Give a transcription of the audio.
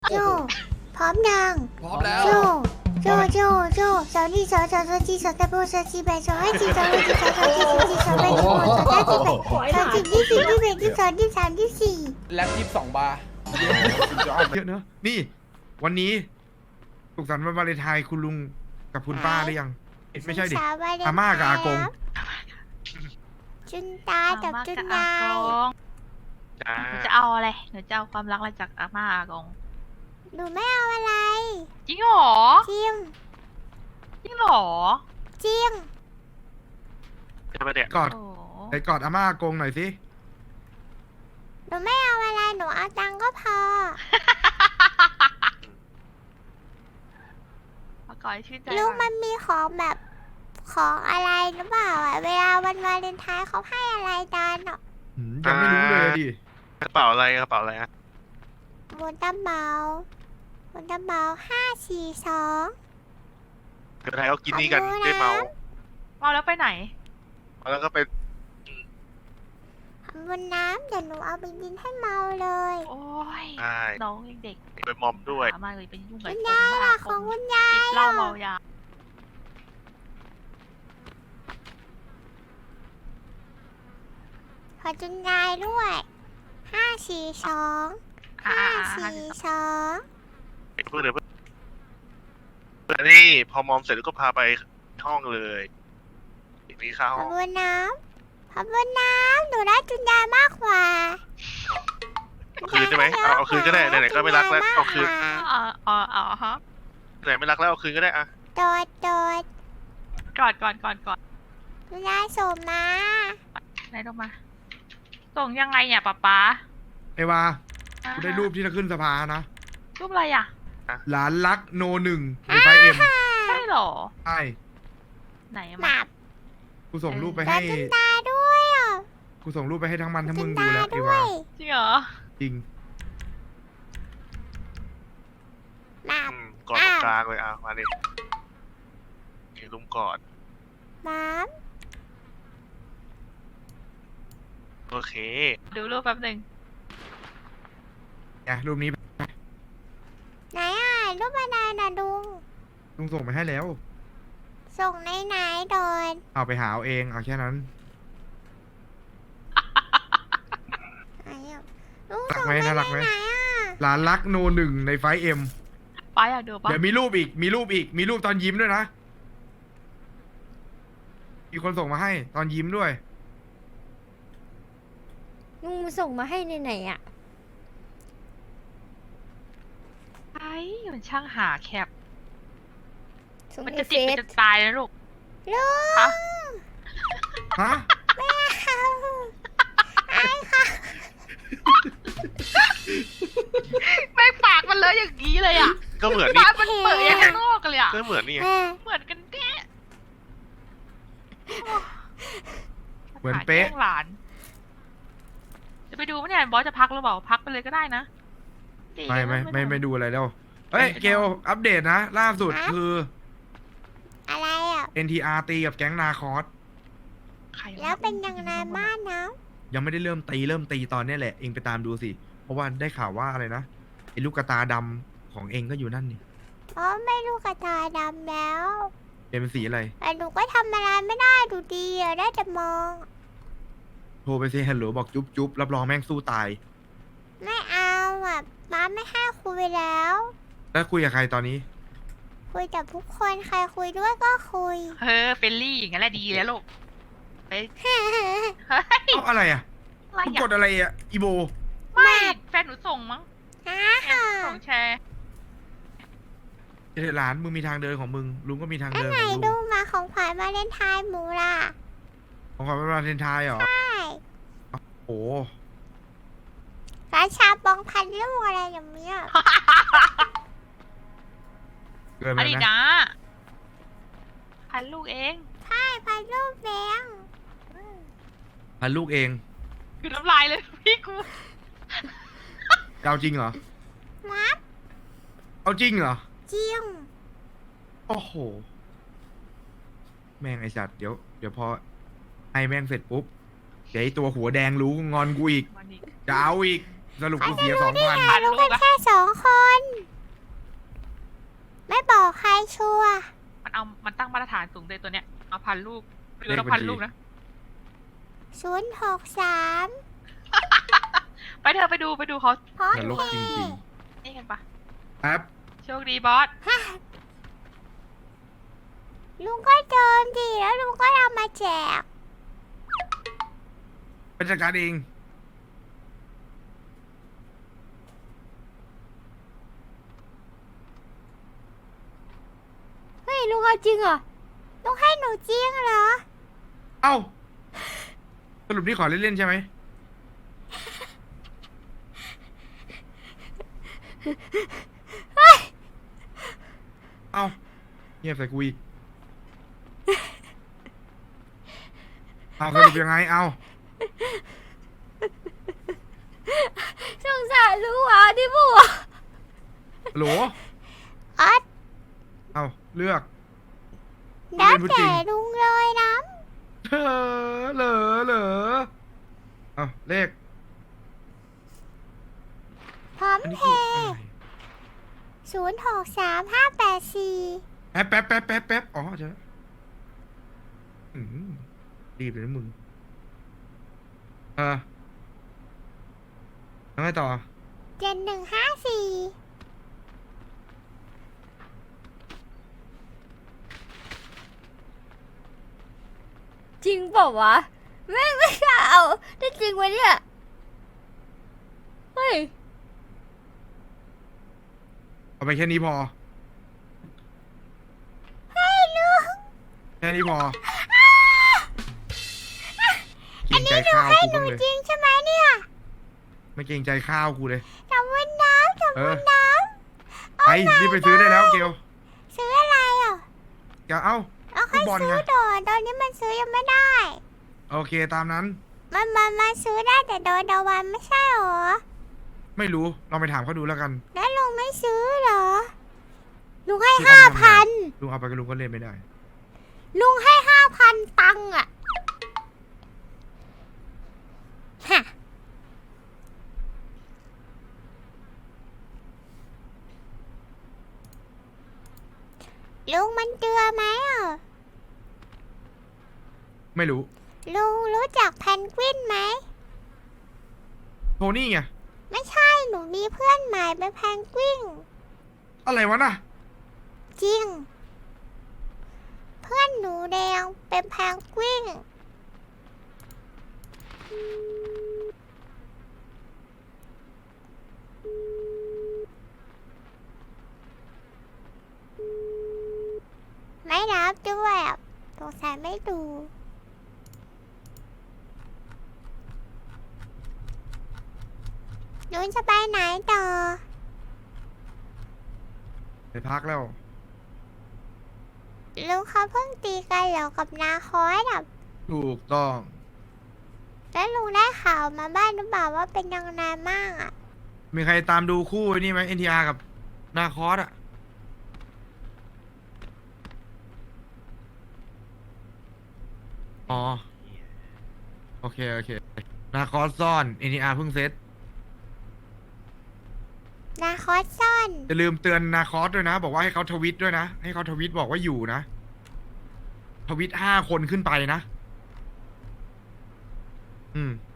โจพร้อมยังพร้อมแล้วโจสาวนี่สาวจีสาวตะโบสาวจีแบสาวไอจีสาวไอจีสาวจีสาวจีสาวแบสาวสาวจีแบสาวจีที่สี่ที่แบที่สองที่สามที่สี่แล็บ22 บาร์เยอะเนอะนี่ วันนี้สุขสันต์วันวาเลนไทน์คุณลุงกับคุณป้าได้ยังไม่ใช่ดิอาม่ากับอากงจุนตากับจุนยายหนูจะเอาอะไรหนูจะเอาความรักอะไรจากอาม่าอากงหนูไม่เอาอะไรจริงเหรอจริงจริงเหรอจริงกอดโอ้ไปกอดอาม่าอากงหน่อยสิหนูไม่เอาอะไรหนูเอาตังค์ก็พอมาก่อนให้ชื่นใจลูกก่มัอนนมีของแบบของอะไรหรือเปล่าอ่ะเวลาวันวาเลนไทน์เขาให้อะไรกันอ่ะยังไม่รู้เลยดิกระเป๋าอะไรกระเป๋าอะไรอะบนตัมเบา542 เดี๋ยวไทยเขากินนี่กันได้เมาเมาแล้วไปไหนแล้วก็ไปบนน้ำเดี๋ยวหนูเอาไปกินให้เมาเลยโอ้ยใช่น้องยังเด็กไปมอมด้วยอามาเลยเป็นยุ่งกับคุณคนยายบ้าล่ะคของนคุณยายติดเหล้าเมายาขอจุนยายด้วย542 อ่า 542 เพื่อนเดี๋ยวเพื่อนนี่พอมอมเสร็จแล้วก็พาไปห้องเลยมีข้าวขห้อองบนน้ำหนูได้จุนยายมากกว่าเอาคืนใช่ไหมเอาคืนก็ได้ไหนๆก็ไม่รักแล้วเอาคืนอ๋อฮะไหนไม่รักแล้วเอาคืนก็ได้อะโดดก่อนจุนยายส่งมาไหนลงมา ส่งยังไงเนี่ยป๊าไอ้วากูได้รูปที่จะขึ้นสภานะรูปอะไรอ่ะหลานรักโนหนึ่งในไฟเอ็มใช่เหรอใช่ไหนหมามับกูส่งรูปไปได้ให้จุนตาด้วยอ่ะกูส่งรูปไปให้ทั้งมันทั้งจุมึนงดูตาแล้วไอ้ด้ววายจริงเหรอจริงหมับกอดตรงกลางเลยอ่ะมาดินี่ลุมกอดหมับโอเคดูรูปแป๊บหนึ่งไงรูปนี้ไหนอ่ะรูปอะไรน่ะดุงลุงส่งไปให้แล้วส่งไหนโดนเอาไปหาเอาเองเอาแค่นั้นไหนอ่ะลุงรักส่งไหมไปน่ารักไหมไหนอ่ะหลานรักโนหนึ่งในไฟเอ็มป๊าอยากดูปะเดี๋ยวมีรูปอีก มีรูปตอนยิ้มด้วยนะ มีคนส่งมาให้ตอนยิ้มด้วยลุงส่งมาให้ในไหนอ่ะไอ้มันช่างหาแคปส่งมันในจะเฟติดมันซจะตายนะลูกลุงฮะฮะไม่เอาไอ้ค่ะแม่งปากมันเลยอย่างนี้เลยอ่ะก็เหมือนนี่ปากมันเปิดอย่างข้างนอกกันเลยอ่ะก็เหมือนนี่ไงแม่เหมือนกันเป๊ะเหมือนเป๊ะหาแกล้งหลาน จะไปดูไหมเนี่ยบอสจะพักหรือเปล่า พักไปเลยก็ได้นะดีไม่ดูอะไรแล้ว เฮ้ย เกลอัปเดตนะ ล่าสุดคืออะไรอ่ะ NTR ตีกับแก๊งนาคอสใคระแล้วเป็นยังไงบ้างนะยังไม่ได้เริ่มตีตอนเนี้ยแหละ เองไปตามดูสิ เพราะว่าได้ข่าวว่าอะไรนะ ไอ้ลูกกระตาดำของเองก็อยู่นั่นนี่เพราะไม่รู้กระตาดำแล้วเป็นสีอะไรแต่หนูก็ทำอะไรไม่ได้ดูดีอะได้แต่มองโทรไปสิฮัลโหลบอกจุ๊บรับรองแม่งสู้ตายไม่เอาอ่ะม้าไม่ให้คุยแล้วแล้วคุยกับใครตอนนี้คุยกับทุกคนใครคุยด้วยก็คุยเฮ้เฟลลี่อย่างนั้นแหละดีแล้วลูกไปเฮ้ยเอ้าอะไรอ่ะอะไรมึงอ่ะกดอะไรอ่ะ อีโบไม่แฟนหนูส่งมั้งฮ่าส่งแชร์เดี๋ยวหลานมึงมีทางเดินของมึง ลุงก็มีทางอันเดินไหนของลุงดูมาของขวัญวาเลนไทน์หมูล่ะของขวัญวันวาเลนไทน์เหรอใช่โอ้ราชาปองพันลูกอะไรอย่างเงี้ยเกินไปอดีตนะนะพันลูกเองใช่พันลูกแบงพันลูกเองคือน้ำลายเลยพี่กูเอาจริงเหรอมัดเอาจริงเหรอจริงโอ้โห แม่งไอสัตว์เดี๋ยวพอไอแม่งเสร็จปุ๊บ เดี๋ยวไอตัวหัวแดงรู้งอนกูอีกวันนี้จะเอาอีก สรุปกูเสีย2,000 พันรู้ลูกักนอะแค่2 คนชัวร์มันตั้งมาตรฐานสูงเลยตัวเนี้ยเอาพันลูกหรือเราพันลูกนะ 063 ไปเถอะไปดูเขาพร้อมนรกเพจริงย์นี่กันปะๆแป๊บโชคดีบอสลุงก็เดินดิแล้วลุงก็เอามาแจกเป็นจัดการเองเฮ้ยลุงเอาจริงเหรอลุงให้หนูจริงเหรอเอ้าสรุปนี่ขอเล่นๆใช่ไหมเอ้าเงียบใส่กูอีกเอาสรุปยังไงเอาสงสารลุงอ่ะที่บัวโหลอัดเอาเลือกแล้วพูดจริแต่งลุงเลยนะเหรอเอาเลขพร้อมอันนี้เพคืออะไรย์063 584 แป๊บอ๋อเจออืมรีบเลยนะมึงแล้วไงต่อ 7154 จริงเปล่าวะไม่กล้าเอาได้จริงวะเนี่ยเฮ้ยเอาไปแค่นี้พอให้ลุงแค่นี้พออันนี้ลุงให้หนูจริงใช่ไหมเนี่ยไม่เกรงใจข้าวกูเลยขอบคุณน้ำขอบคุณน้ำไปรีบไปซื้อได้แล้วเกลซื้ออะไรอ่ะแกเอ้าเอาค่อยฟุตบอลซื้ไงอตอนนี้มันซื้อยังไม่ได้โอเคตามนั้นมันซื้อได้แต่โดนดาวันไม่ใช่หรอไม่รู้ลองไปถามเขาดูแล้วกันแล้วลุงไม่ซื้อเหรอ ลุงให้ที่เขาไปทำงาน 5,000 ลุงเอาไปกับลุงก็เล่นไม่ได้ลุงให้ 5,000 ตังค์อ่ะฮะลุงมันเจือไหมอ่ะไม่รู้ลุงรู้จักแพนกวินไหมโทนี่ไงไม่ใช่หนูมีเพื่อนใหม่เป็นแพนกวินอะไรวะน่ะจริง เพื่อนหนูแดงเป็นแพนกวินไม่รับด้วยอ่ะสงสัยไม่ดูลุงจะไปไหนต่อไปพักแล้วลุงเขาเพิ่งตีกันเหรอกับนาคอยอ่ะถูกต้องแล้วลุงได้ข่าวมาบ้านหรือเปล่าว่าเป็นยังไงบ้างอ่ะมีใครตามดูคู่ไอ้นี่ไหม NTR กับนาคอสอะอ๋อ โอเคนาคอสซ่อน NTR เพิ่งเซตนาคอสซ่อนอย่าลืมเตือนนาคอสด้วยนะ บอกว่าให้เขาทวิตด้วยนะ ให้เขาทวิตบอกว่าอยู่นะ ทวิต5 คนขึ้นไปนะ อืม